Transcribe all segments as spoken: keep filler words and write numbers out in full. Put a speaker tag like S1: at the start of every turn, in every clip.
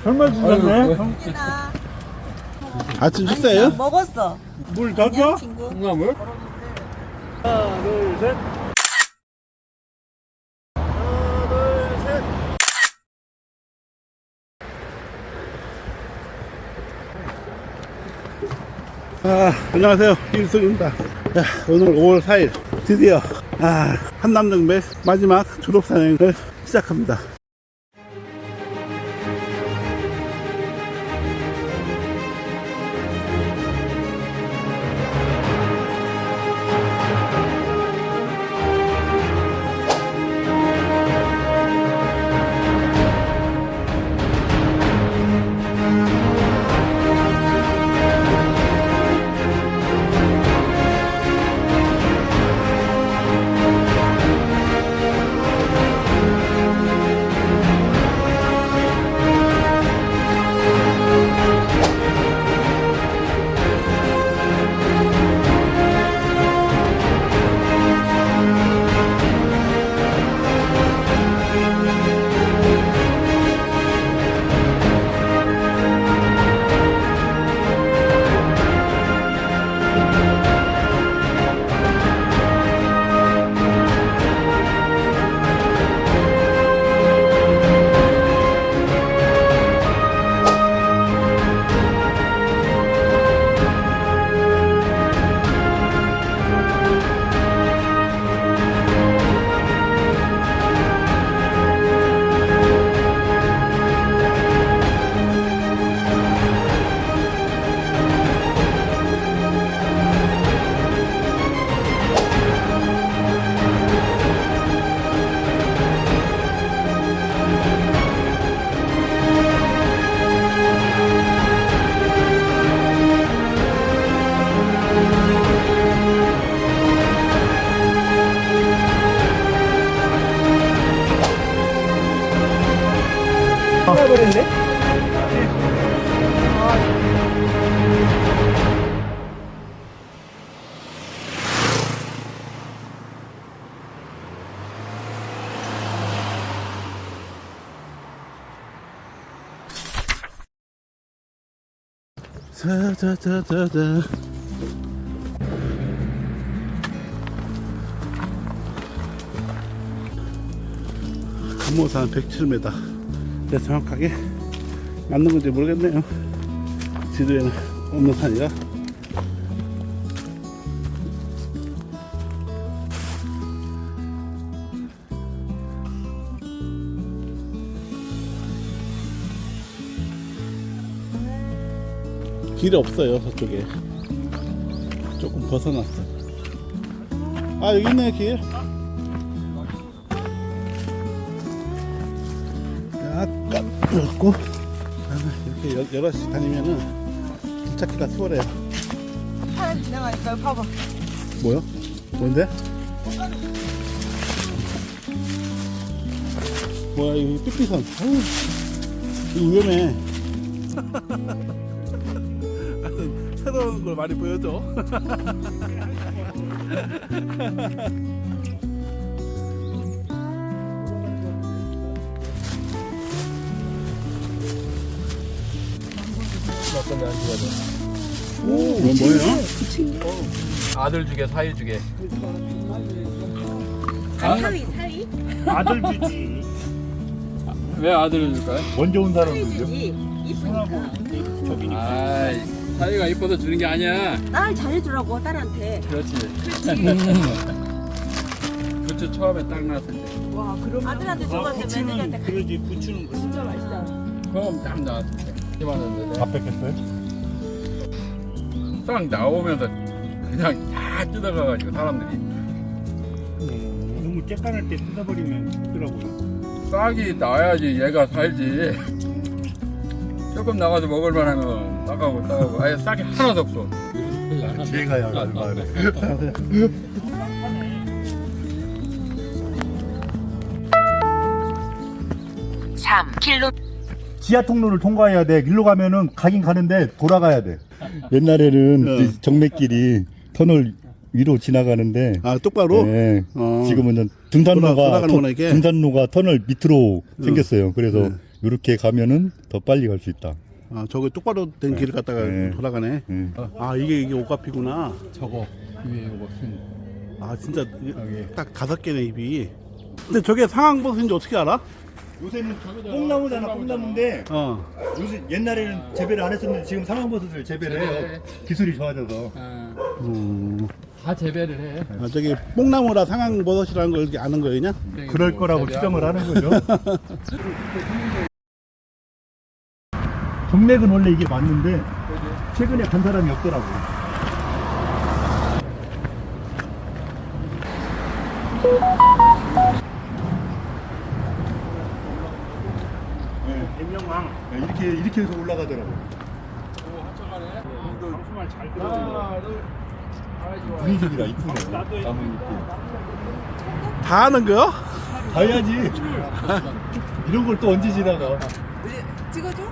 S1: 설마 주셨네?
S2: 아침 식사예요?
S3: 먹었어.
S1: 물 더 줘?
S3: 친구.
S4: 콩나물?
S1: 하나, 둘, 셋.
S2: 아, 안녕하세요. 일석입니다. 오늘 오월 사일 드디어 아, 한남정맥 마지막 졸업사행을 시작합니다.
S1: 버렸네?
S2: 자자자자자. 금호산 백칠 미터. 네, 정확하게 맞는 건지 모르겠네요. 지도에는 없는 산이라. 길이 없어요, 저쪽에. 조금 벗어났어. 아, 여기 있네, 길. 약간 넓고, 이렇게 여, 여럿이 다니면은 길 찾기가 수월해요.
S3: 파란 지나가니까 봐봐.
S2: 뭐요? 뭔데? 뭐야, 이 삐삐선. 어우, 이거 위험해. 하여튼 새로운 걸 많이 보여줘.
S4: 어떤 데안 좋아져?
S2: 오, 이건 뭐예요?
S4: 아들 주게 사위 주게.
S3: 아, 사위, 사위?
S1: 아들 주지.
S4: 왜 아들을 줄까요?
S1: 먼저 온
S3: 사위
S1: 사람은요?
S3: 주지. 이쁘니까.
S1: 저기니까.
S4: 아이 사위가 이뻐서 주는 게 아니야.
S3: 딸 잘해주라고, 딸한테.
S4: 그렇지.
S3: 그렇지.
S4: 부츠 처음에 딱 나왔을 때.
S3: 와, 그럼 아들한테
S1: 아,
S3: 줘봤을 때
S1: 부추는
S3: 며느리한테
S1: 그러지, 부추는 거.
S3: 진짜 맛있다.
S4: 처음 딱 나왔을 때. 이만한데
S1: 밥 뺏겼어요?
S4: 딱 나오면서 그냥 다 뜯어가가지고 사람들이
S1: 음, 너무 쬐깐할 때 뜯어버리면 힘들더라고요.
S4: 싹이 나야지 얘가 살지. 조금 나가서 먹을만 하면 나가고 나가고 아예 싹이 하나도 없어.
S2: 제가요, 말해.
S3: 삼 킬로미터.
S5: 지하 통로를 통과해야 돼. 일로 가면은 가긴 가는데 돌아가야 돼. 옛날에는
S2: 어.
S5: 이 정맥길이 터널 위로 지나가는데
S2: 아, 똑바로?
S5: 네,
S2: 어.
S5: 지금은
S2: 돌아-
S5: 등산로가
S2: 돌아가는구나,
S5: 터-
S2: 이게?
S5: 등산로가 터널 밑으로 생겼어요. 그래서
S2: 네.
S5: 이렇게 가면은 더 빨리 갈 수 있다.
S2: 아, 저거 똑바로 된 길을 갖다가
S5: 네.
S2: 돌아가네.
S5: 응.
S2: 아, 이게 이게 오카피구나.
S4: 저거 위에 이거 쓴.
S2: 아, 진짜 이게 딱 다섯 개네 입이. 근데 저게 상황버섯인지 어떻게 알아?
S5: 요새는 뽕나무잖아, 뽕나무인데
S2: 어.
S5: 요새 옛날에는 재배를 안 했었는데 지금 상황버섯을 재배를 해요.
S4: 재배해.
S5: 기술이 좋아져서.
S4: 어,
S2: 음.
S4: 다 재배를 해.
S2: 아, 저기 뽕나무라 상황버섯이라는 걸 이렇게 아는 거예요, 그냥?
S5: 그럴
S4: 뭐
S5: 거라고
S4: 재배하고.
S5: 추정을 하는 거죠. 정맥은 원래 이게 맞는데 최근에 간 사람이 없더라고.
S1: 대명왕
S5: 네, 이렇게 이렇게 해서 올라가더라고.
S4: 오, 한척하네.
S1: 방수만 잘 들어.
S4: 하나, 둘. 아이, 좋아.
S5: 분위기가 이쁘네.
S1: 나도
S5: 나무 이렇게.
S2: 다 아는 거요?
S5: 가야지. 이런 걸 또 언제 지나가?
S3: 찍어줘?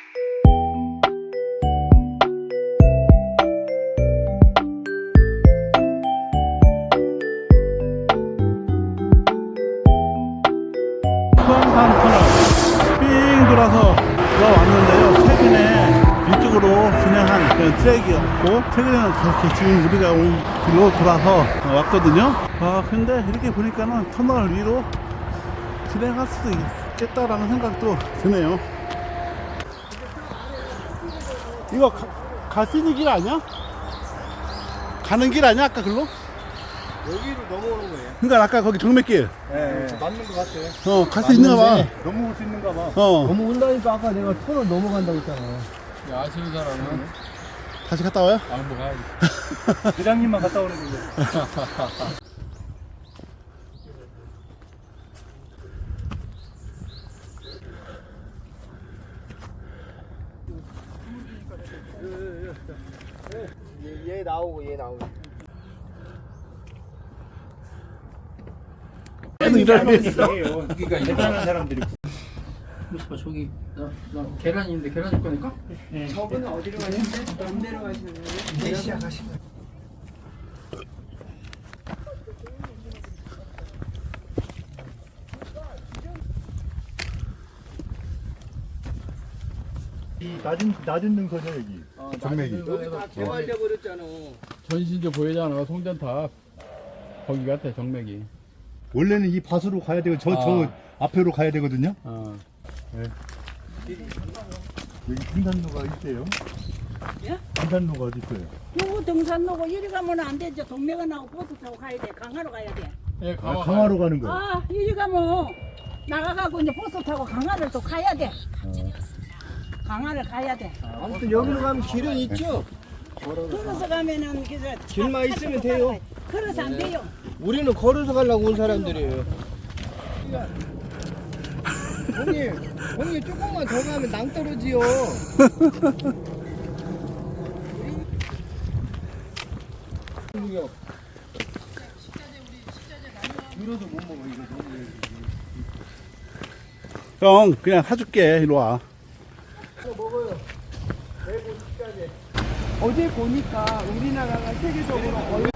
S2: 수암산 터널 삥 돌아서 들어왔는데요. 최근에 이쪽으로 진행한 그런 트랙이었고 최근에는 그렇게 지금 우리가 온 길로 돌아서 왔거든요. 아 근데 이렇게 보니까는 터널 위로 진행할 수도 있겠다라는 생각도 드네요. 이거 갈 수 있는 길 아니야? 가는 길 아니야 아까 글로?
S5: 여기로 넘어오는 거예요.
S2: 그러니까 아까 거기 정맥길
S5: 네, 맞는 것 같아요.
S2: 어 갈 수 있는가 봐.
S5: 넘어올 수 있는가 봐.
S2: 어
S6: 넘어온다니까 아까 내가 터널 넘어간다고 했잖아.
S4: 야, 아시는 사람은
S2: 다시 갔다 와요?
S4: 안 가야지.
S5: 부장님만 갔다 오는 거죠.
S6: 얘, 얘 나오고 얘 나오고.
S2: 얘는 이러고 있어.
S4: 그러니까
S5: 대단한 사람들이.
S4: 어, 저기 나, 나 계란이 있는데 계란 줄 거니까?
S3: 저분은 어디로 가시는데? 안 내려가시는 거예요?
S6: 이제 시작하신 거야.
S5: 이 낮은 낮은 능선이야 여기. 정맥이.
S6: 다 개발돼 버렸잖아.
S4: 전신주 보이잖아, 송전탑. 거기 같아, 정맥이.
S5: 원래는 이 밭으로 가야 되고 저 저
S4: 아.
S5: 앞에로 가야 되거든요.
S4: 어.
S5: 여기 등산로가 있대요.
S3: 예?
S5: 등산로가 어디 있어요?
S3: 요거 등산로고 이리 가면 안 되죠. 동맥은 나고 버스 타고 가야 돼. 강화로 가야 돼.
S4: 예,
S5: 아,
S4: 강화.
S5: 강화로 가는 거예요.
S3: 아, 이리 가면 나가가고 이제 버스 타고 강화를 또 가야 돼. 강화를 가야 돼.
S6: 아무튼 여기로 가면 길은 있죠.
S3: 걸어서 가면은 그저
S6: 길만 있으면 돼요.
S3: 걸어서 안 돼요.
S6: 우리는 걸어서 가려고 온 사람들이에요. 형님, 형님 조금만 더 가면 낭 떨어지요.
S2: 형 그냥 사줄게 이리 와.
S3: 어제 보니까 우리나라가 세계적으로 거의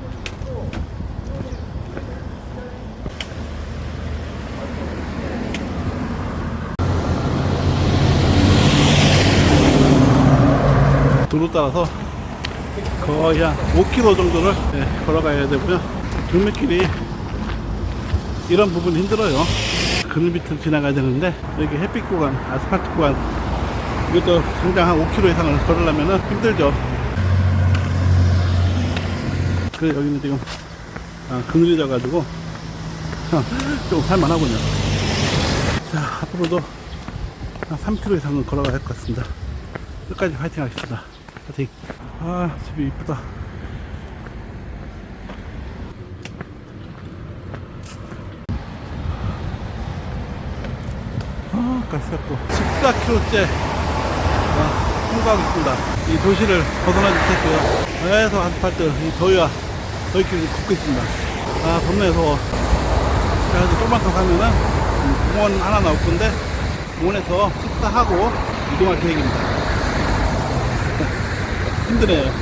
S2: 도로 따라서 거의 한 오 킬로미터 정도를 예, 걸어가야 되고요. 경매길이 이런 부분이 힘들어요. 그늘 밑을 지나가야 되는데 여기 햇빛 구간, 아스팔트 구간 이것도 당장 한 오 킬로미터 이상을 걸으려면 힘들죠. 그래 여기는 지금 아, 그늘이 져가지고 좀 살만하군요. 자 앞으로도 한 삼 킬로미터 이상은 걸어가야 할 것 같습니다. 끝까지 파이팅 하겠습니다. 파이팅. 아 집이 이쁘다. 아 가스갖고 십사 킬로미터째 통과하고 있습니다. 이 도시를 벗어나지 못했고요. 계속 아스팔트 이 더위와 더위길을 걷고 있습니다. 아 덥네요. 더워. 그래서 조금만 더 가면은 음, 공원 하나 나올 건데 공원에서 식사하고 이동할 계획입니다. 힘드네요.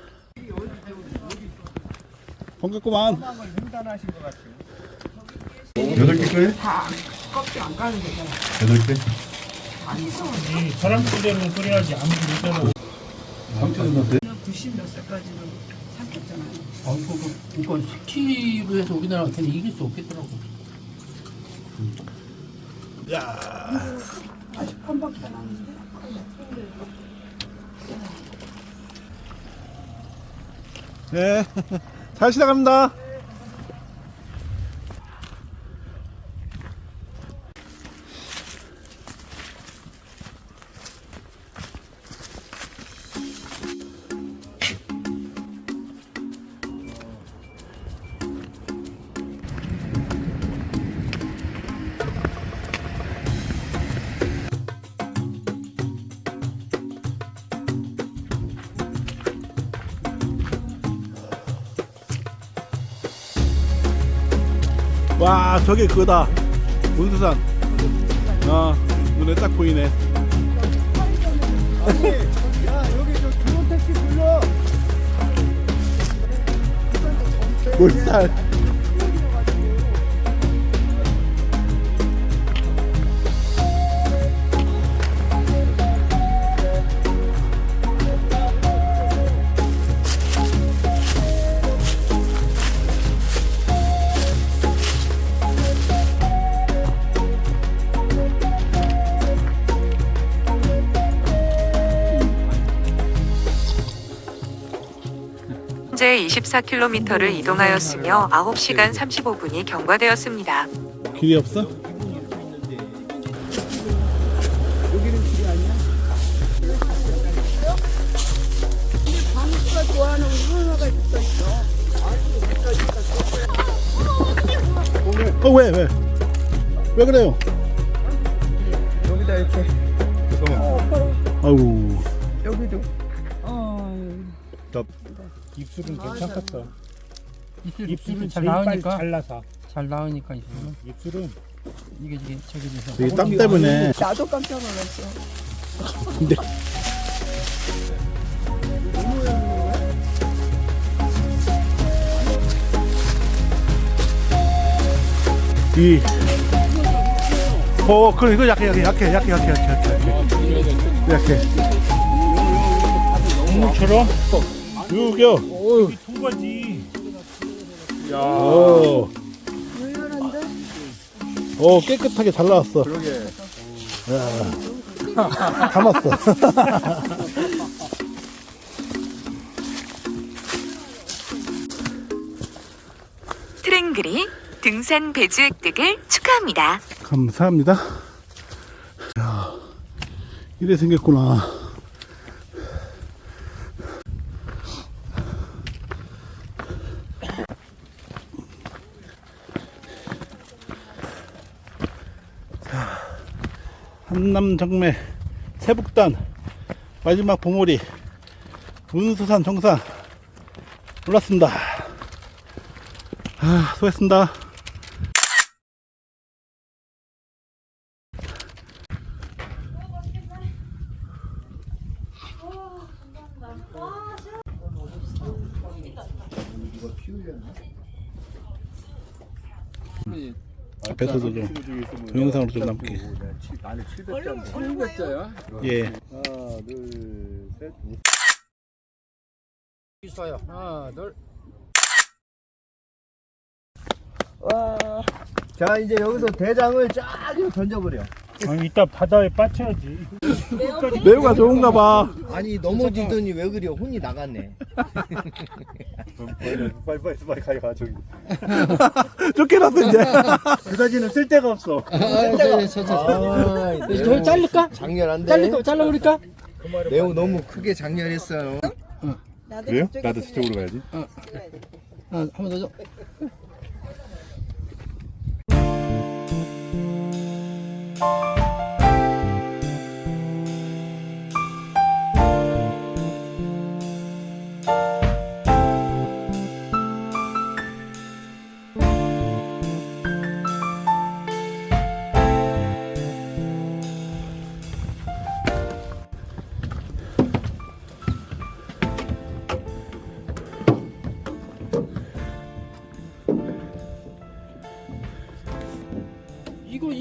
S2: 번겠구만.
S6: 횡단하신 것 같아요.
S5: 여덟 개 거예요?
S3: 다 껍질 안 가는 거잖아.
S5: 여덟 개?
S1: 이 사람들대로 끓여야지 아무리 못해도.
S5: 삼천 원 돼?
S3: 구십 몇 살까지는 삼켰잖아요.
S7: 아, 그, 그, 그건 스키로 해서 우리나라한테는 이길 수 없겠더라고.
S3: 아직 펌밖에 안 하는데.
S2: 네. 잘 시작합니다. 와, 저게 그거다. 문수산. 아, 눈에 딱 보이네.
S6: 야 여기 저 드론 택시 불러.
S2: 물살.
S8: 현재 이십사 킬로미터를 이동하였으며 아홉 시간 삼십오 분이 경과되었습니다.
S2: 길이 없어?
S3: 방수가 좋아하는 문어가 있어 있어.
S2: 어, 왜, 왜? 왜 그래요?
S6: 여기다 이렇게.
S2: 아우.
S6: 여기도.
S3: 어.
S1: 입술은 괜찮겠어.
S7: 입술,
S1: 입술은
S7: 잘
S1: 제일 빨리
S7: 나오니까.
S1: 잘라서.
S7: 잘 나오니까 입술은.
S1: 입술은
S7: 이게 이게 저기 돼서.
S2: 이게 땀 때문에.
S3: 나도 깜짝 놀랐어.
S2: 근데 이 어, 그래 이거 약해 약해 약해 약해 약해 약해 약해 약해
S1: 국물처럼
S2: 육여
S1: 통과지.
S2: 오. 오, 깨끗하게 잘 나왔어.
S4: 그러게.
S2: 야. 감았어.
S8: 트랭글이 등산 배주 획득을 축하합니다.
S2: 감사합니다. 야, 이래 생겼구나. 자, 한남정매 세북단 마지막 보물이 문수산 정상 올랐습니다. 아, 수고했습니다. 앞에서도 좀 동영상으로 좀 남게.
S5: 나는 칠백 점.
S4: 칠백자야?
S2: 예.
S5: 하나, 둘, 셋.
S7: 있어요. 하나, 둘.
S6: 와. 자 이제 여기서 대장을 쫙 이렇게 던져버려.
S1: 아니 이따 바다에 빠쳐야지.
S2: 매우가 좋은가 봐.
S6: 아니 넘어지더니 왜 그래? 혼이 나갔네.
S5: 빨리 빨리 빨리 가요 가 저기.
S2: 쫓겨났어 이제.
S1: 그다지는 쓸 데가 없어.
S7: 아, 저, 저, 저.
S6: 아,
S7: 저 자를까?
S6: 장렬한데.
S7: 자를까? 잘라버릴까?
S6: 매우 너무 크게 장렬했어요.
S5: 그래요? 나도 저쪽으로 가야지.
S7: 아, 한 번 더 줘.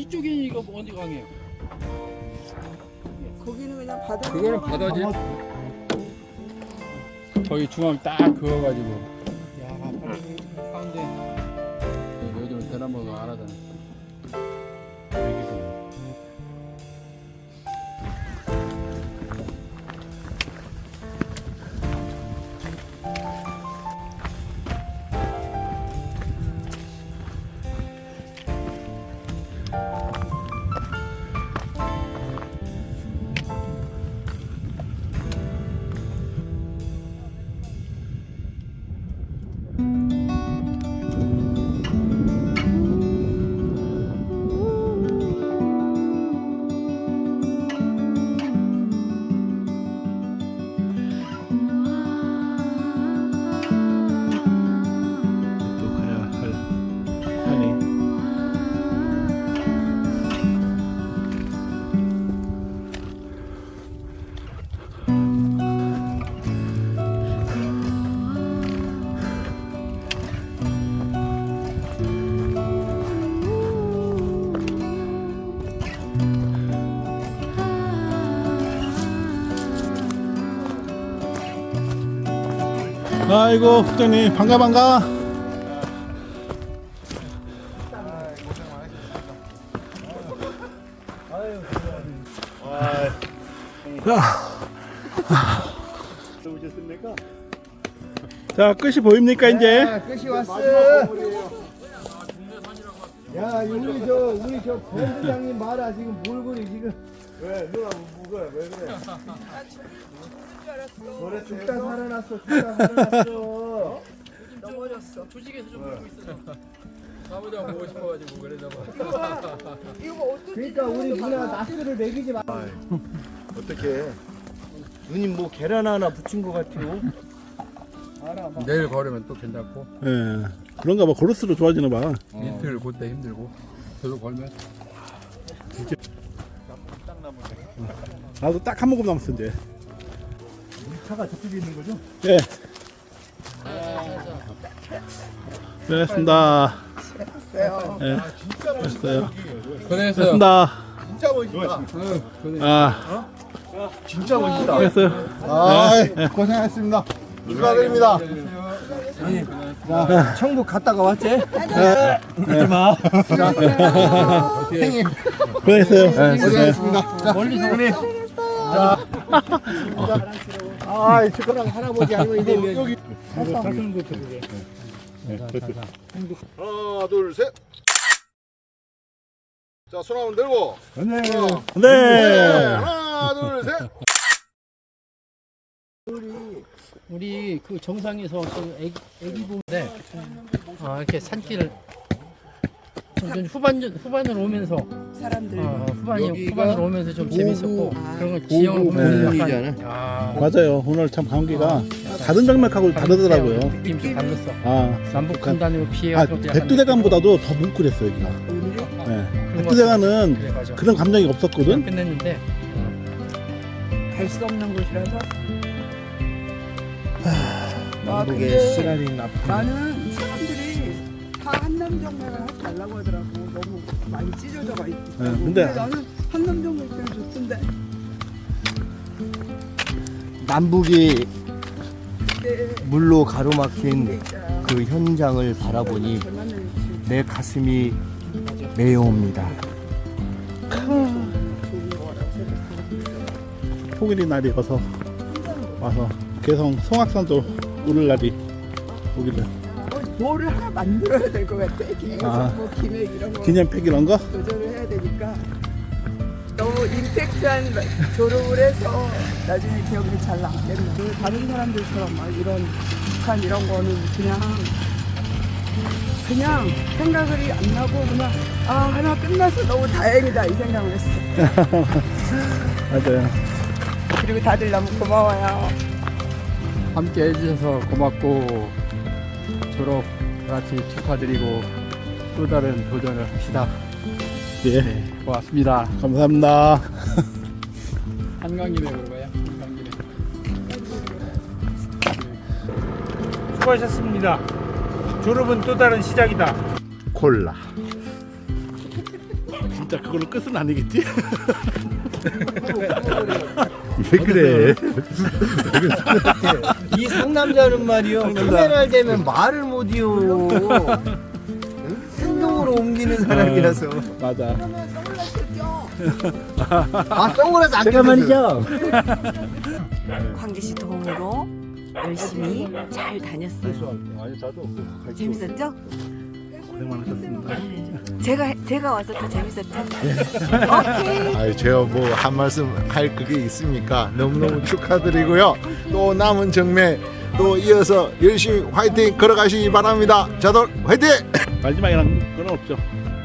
S7: 이쪽이 이거 어디 강이에요?
S3: 거기는 그냥 바다.
S4: 그거는 바다지. 거기 중앙 딱 그어가지고.
S7: 야, 가운데.
S4: 요즘 대나무가 안 하잖아.
S2: 또 가야 할 산이. 아이고 국장님 반가 반가.
S5: 오셨습니까?
S2: 자 끝이 보입니까 이제?
S6: 야, 끝이 왔어. 야, 우리 저 우리 저 본부장님 말아 지금 몰골이 지금
S5: 왜 누나 뭐가 왜 그래?
S6: 노래 죽다 살아났어. 죽다 살아났어.
S3: 넘어졌어.
S7: 조직에서 좀 보고 있어요.
S4: 사무장 보고 싶어가지고 그래서 봐.
S3: 이거 뭐 어떻게?
S6: 그러니까 우리 누나 나스를 먹이지 마.
S5: 어떻게?
S6: 누님 뭐 계란 하나 붙인 것 같아요.
S4: 내일 걸으면 또 괜찮고
S2: 예. 그런가 봐. 고르스로 좋아지나 봐.
S4: 이틀 그때 힘들고 계속 걸면
S2: 나도 딱 한 모금 남았어 이제.
S5: 차가 저쪽에 있는 거죠?
S2: 예. 고생했습니다.
S3: 했어요.
S2: 예. 고생했어요.
S4: 고생했어요.
S2: 고생했습니다.
S5: 진짜 멋있다.
S2: 아,
S5: 진짜 멋있다.
S2: 고생했어요.
S5: 아,
S2: 예.
S5: 고생하셨습니다. 축하드립니다.
S6: 자, 천국 갔다가 왔지?
S2: 고생했어요.
S5: 고생하셨습니다.
S6: 멀리서 오네. 아, 저거랑 할아버지 할머니 되면
S5: 여기 하나, 둘, 셋. 자, 손 한번 들고.
S6: 네.
S2: 네.
S5: 하나, 둘, 셋.
S7: 우리 그 정상에서 그 애기, 애기 보는데 아, 이렇게 산길을 좀 후반 후반으로 오면서
S3: 사람들.
S7: 어, 후반이 후반으로 오면서 좀 재밌었고 그런 거 지형을 보면 약간 야,
S2: 맞아요. 오늘 참 감기가 다른 정맥하고 다르더라고요.
S7: 느낌 좀 달랐어.
S2: 아,
S7: 남북 분단으로 피해
S2: 아
S7: 가지고 약간
S2: 백두대간보다도 더 뭉클했어 여기가. 네. 백두대간은
S7: 그래 맞아.
S2: 그런 감정이 없었거든.
S7: 끝냈는데
S3: 갈 수 없는 곳이라서. 아,
S6: 남북의
S3: 근데
S6: 시간이 나.
S3: 나는 사람들이 다 한남정맥을 하지 말라고 하더라고. 너무 많이 찢어져가 있고.
S2: 네, 근데-
S3: 나는 한남정맥 그냥 좋던데.
S6: 남북이
S3: 네.
S6: 물로 가로막힌
S3: 있잖아.
S6: 그 현장을 바라보니
S3: 얼마나 좋지.
S6: 내 가슴이 메어옵니다.
S3: 좋은 거라고 생각하고.
S2: 폭일이 날이어서 와서 개성 송악산도 오를 날이 오길래
S3: 어, 뭐를 하나 만들어야 될 것 같아. 기획에서
S2: 아.
S3: 뭐 기획 이런 거
S2: 기념팩 이런 거?
S3: 도전을 해야 되니까 너무 임팩트한 졸업을 해서 나중에 기억이 잘 남겠네. 다른 사람들처럼 막 이런 북한 이런 거는 그냥 그냥 생각이 안 나고 그냥 아 하나 끝나서 너무 다행이다 이 생각을 했어.
S2: 맞아요.
S3: 그리고 다들 너무 고마워요.
S4: 함께 해주셔서 고맙고 졸업 같이 축하드리고 또 다른 도전을 합시다.
S2: 예.
S4: 네, 고맙습니다.
S2: 감사합니다.
S4: 한강길에 그러고요. 한강길에.
S1: 수고하셨습니다. 졸업은 또 다른 시작이다.
S5: 콜라.
S2: 진짜 그걸로 끝은 아니겠지?
S5: 왜 그래?
S6: 이 상남자는 말이요. 카메라를 대면 말을 못이요. 행동으로 옮기는 사람이라서.
S2: 맞아.
S6: 아, 선글라스 안
S5: 제가
S6: 꼈어요.
S5: 말이죠.
S9: 광기씨 도움으로 열심히 잘 다녔어요.
S5: 아니 저도
S9: 재밌었죠?
S2: 고생 많으셨습니다.
S9: 제가 제가 와서 더 재밌었죠? 오케이.
S10: 아유, 제가 뭐 한 말씀 할 그게 있습니까? 너무너무 축하드리고요. 또 남은 정매 또 이어서 열심히 화이팅 걸어가시기 바랍니다. 자들 화이팅!
S2: 마지막이란 건 없죠.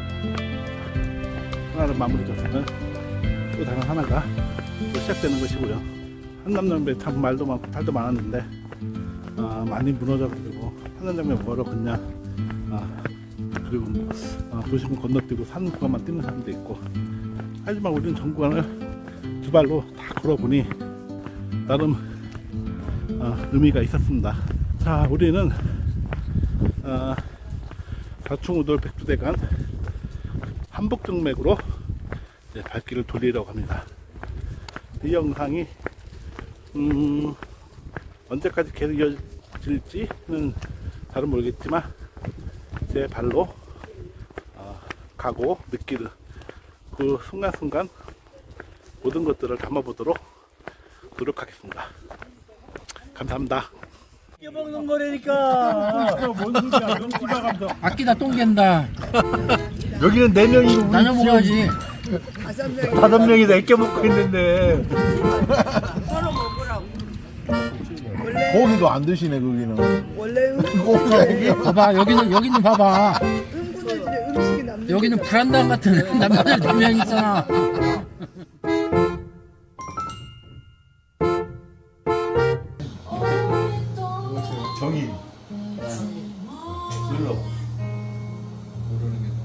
S2: 하나를 마무리 졌으면 또 다른 하나가 또 시작되는 것이고요. 한남정배 참 말도 많고 탈도 많았는데 아, 많이 무너져가지고 한남정배 뭐로 걷냐 아, 그리고 아, 도심을 건너뛰고 산 구간만 뛰는 사람도 있고 하지만 우리는 전 구간을 두 발로 다 걸어보니 나름 아, 의미가 있었습니다. 자, 우리는 아, 사충우돌 백두대간 한복정맥으로 이제 발길을 돌리려고 합니다. 이 영상이 음, 언제까지 계속 이어질지는 잘은 모르겠지만 제 발로 어, 가고 느끼는 그 순간순간 모든 것들을 담아보도록 노력하겠습니다. 감사합니다.
S5: 먹는 거라니까.
S1: 뭔 소리야? 연기가 감독.
S7: 아끼다 똥갠다.
S5: 여기는 네 명이고 우리
S7: 나눠 먹어야지.
S3: 다섯 명이
S5: 다섯 명이서 애껴 먹고 있는데.
S3: 서로 먹으라고. 원래
S10: 고기도 안 드시네 거기는.
S3: 원래는
S7: 봐봐 여기는 여기는 봐봐.
S3: 흥분해지는 음식이 남는
S7: 여기는
S3: 게
S7: 불안당 같은 남자들 두 명 있잖아.
S5: 정인.
S4: 모르는 게